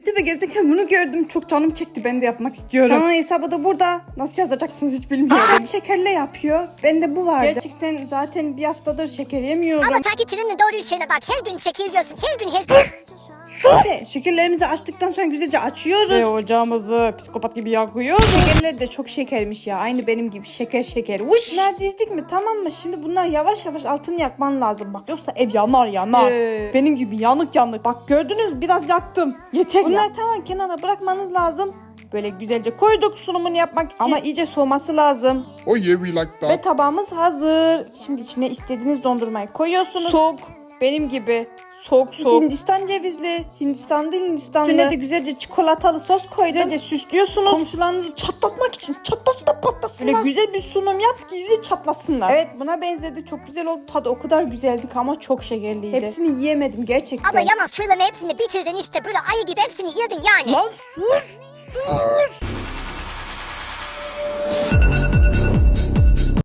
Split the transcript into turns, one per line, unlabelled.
YouTube'a gezerken bunu gördüm. Çok canım çekti. Ben de yapmak istiyorum. Kanal hesabı da burada. Nasıl yazacaksınız hiç bilmiyorum. Şekerle yapıyor. Bende bu vardı. Gerçekten zaten bir haftadır şeker yemiyorum.
Ama takipçinin doğru şeyine bak. Her gün şeker yiyorsun. Her gün her...
Sus! Şekerlerimizi açtıktan sonra güzelce açıyoruz. Ve ocağımızı psikopat gibi yakıyoruz. Şekerler de çok şekermiş ya. Aynı benim gibi şeker. Uş! Bunlar dizdik mi? Tamam mı? Şimdi bunlar yavaş yavaş altını yakman lazım bak. Yoksa ev yanar. Benim gibi yanık. Bak gördünüz mü? Biraz yaktım. Yeter. Bunlar tamam, kenara bırakmanız lazım. Böyle güzelce koyduk sunumunu yapmak için. Ama iyice soğuması lazım.
Oh yeah, we like that.
Ve tabağımız hazır. Şimdi içine istediğiniz dondurmayı koyuyorsunuz. Soğuk. Benim gibi. Soğuk. Hindistan cevizli. Hindistanlı. Üstüne de güzelce çikolatalı sos koydum. Güzelce süslüyorsunuz. Komşularınızı çatlatmak için. Çatlasın da patlasınlar. Böyle güzel bir sunum yap ki yüzü çatlasınlar. Evet, buna benzedi. Çok güzel oldu. Tadı o kadar güzeldi ki ama çok şekerliydi. Hepsini yiyemedim gerçekten.
Abla yalnız şuraların hepsini bitirdin işte. Böyle ayı gibi hepsini yedin yani.
Lan sus.